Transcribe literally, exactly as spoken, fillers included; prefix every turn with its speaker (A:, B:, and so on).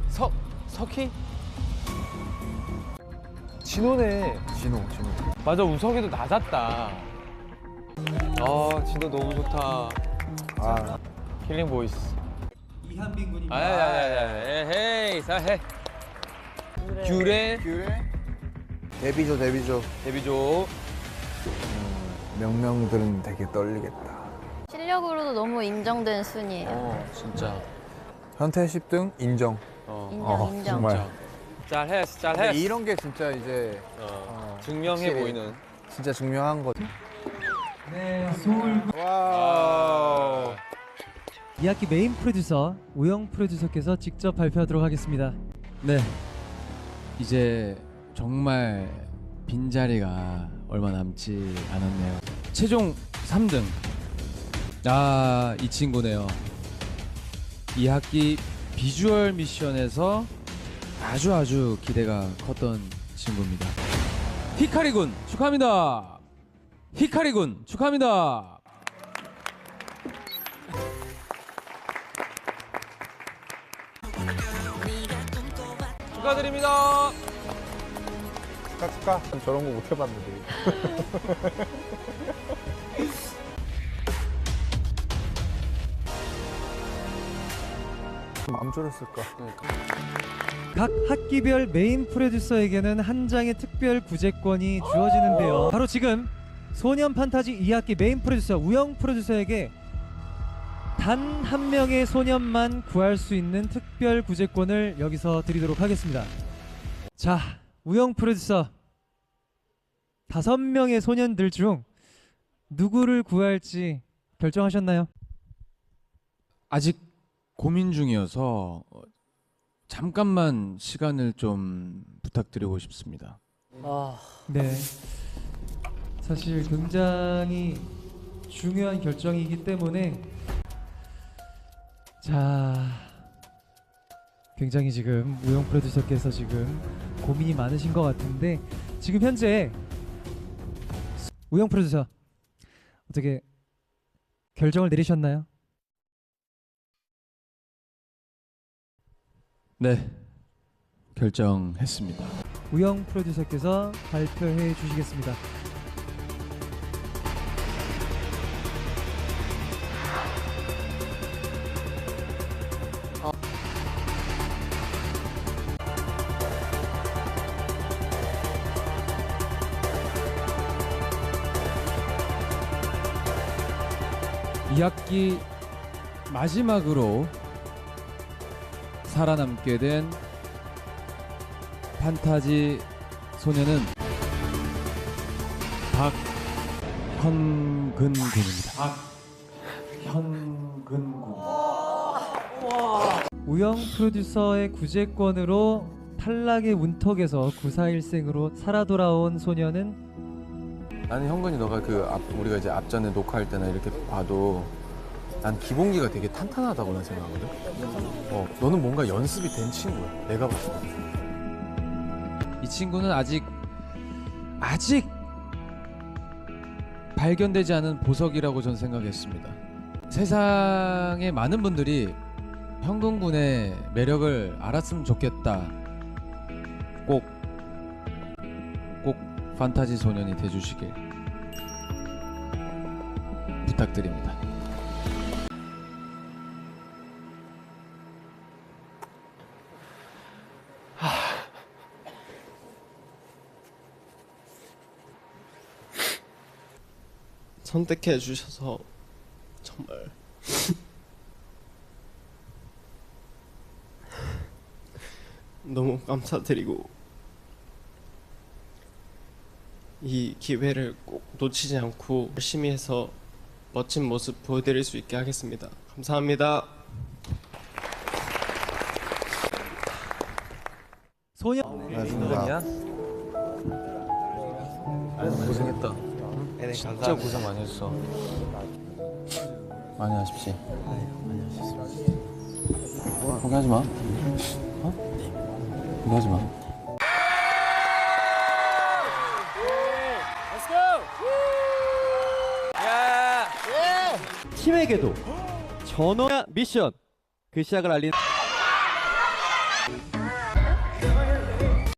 A: 석 석희?
B: 진호네. 진호, 진호.
A: 맞아, 우석이도 낮았다. 아, 진호 너무 좋다.
B: 아,
A: 킬링 보이스.
C: 이한빈 군입니다.
A: 아야야야야, 에헤이, 사해. 귤에
B: 귤에 데뷔조, 데뷔조.
A: 데뷔조.
B: 명명들은 되게 떨리겠다.
D: 실력으로도 너무 인정된 순이에요.
A: 어, 진짜.
B: 현태 십 등 인정.
A: 어,
D: 인정,
B: 어,
D: 인정.
B: 정말.
A: 잘했어,
B: 근데
A: 잘했어.
B: 이런 게 진짜 이제
A: 어,
B: 어,
A: 증명해
B: 확실히
A: 보이는.
B: 진짜 중요한 거지.
C: 네, 서울
A: 와.
C: 이 학기 메인 프로듀서 우영 프로듀서께서 직접 발표하도록 하겠습니다.
E: 네, 이제 정말 빈자리가 얼마 남지 않았네요. 최종 삼 등. 아, 이 친구네요. 이 학기 비주얼 미션에서 아주 아주 기대가 컸던 친구입니다. 히카리 군 축하합니다. 히카리 군 축하합니다.
A: 축하드립니다.
B: 축하, 축하. 저런 거 못 해봤는데. 안 졸였을까?
C: 각 학기별 메인 프로듀서에게는 한 장의 특별 구제권이 주어지는데요. 바로 지금 소년 판타지 이 학기 메인 프로듀서 우영 프로듀서에게 단 한 명의 소년만 구할 수 있는 특별 구제권을 여기서 드리도록 하겠습니다. 자, 우영 프로듀서 다섯 명의 소년들 중 누구를 구할지 결정하셨나요?
E: 아직 고민 중이어서 어, 잠깐만 시간을 좀 부탁드리고 싶습니다.
C: 네. 사실 굉장히 중요한 결정이기 때문에 자, 굉장히 지금 우영 프로듀서께서 지금 고민이 많으신 것 같은데 지금 현재 우영 프로듀서 어떻게 결정을 내리셨나요?
E: 네, 결정했습니다.
C: 우영 프로듀서께서 발표해 주시겠습니다.
E: 이 학기 마지막으로 살아남게 된 판타지 소녀는 박현근 군입니다. 박현근 군.
C: 우영 프로듀서의 구제권으로 탈락의 운턱에서 구사일생으로 살아 돌아온 소녀는
F: 나는 현근이 너가 그 앞, 우리가 이제 앞전에 녹화할 때나 이렇게 봐도 난 기본기가 되게 탄탄하다고 난 생각하거든. 어, 너는 뭔가 연습이 된 친구야. 내가 봤을 때.
E: 이 친구는 아직 아직 발견되지 않은 보석이라고 전 생각했습니다. 세상의 많은 분들이 현근 군의 매력을 알았으면 좋겠다. 꼭, 꼭 판타지 소년이 돼주시길 부탁드립니다.
G: 선택해 주셔서 정말 너무 감사드리고 이 기회를 꼭 놓치지 않고 열심히 해서 멋진 모습 보여드릴 수 있게 하겠습니다. 감사합니다.
C: 소녀
B: 고생이야?
F: 고생했다. 진짜 고생 많이 했어. 많이 하십시오. 포기하지 마. 어? 포기하지 마.
H: 팀에게도 전원 미션 그 시작을 알린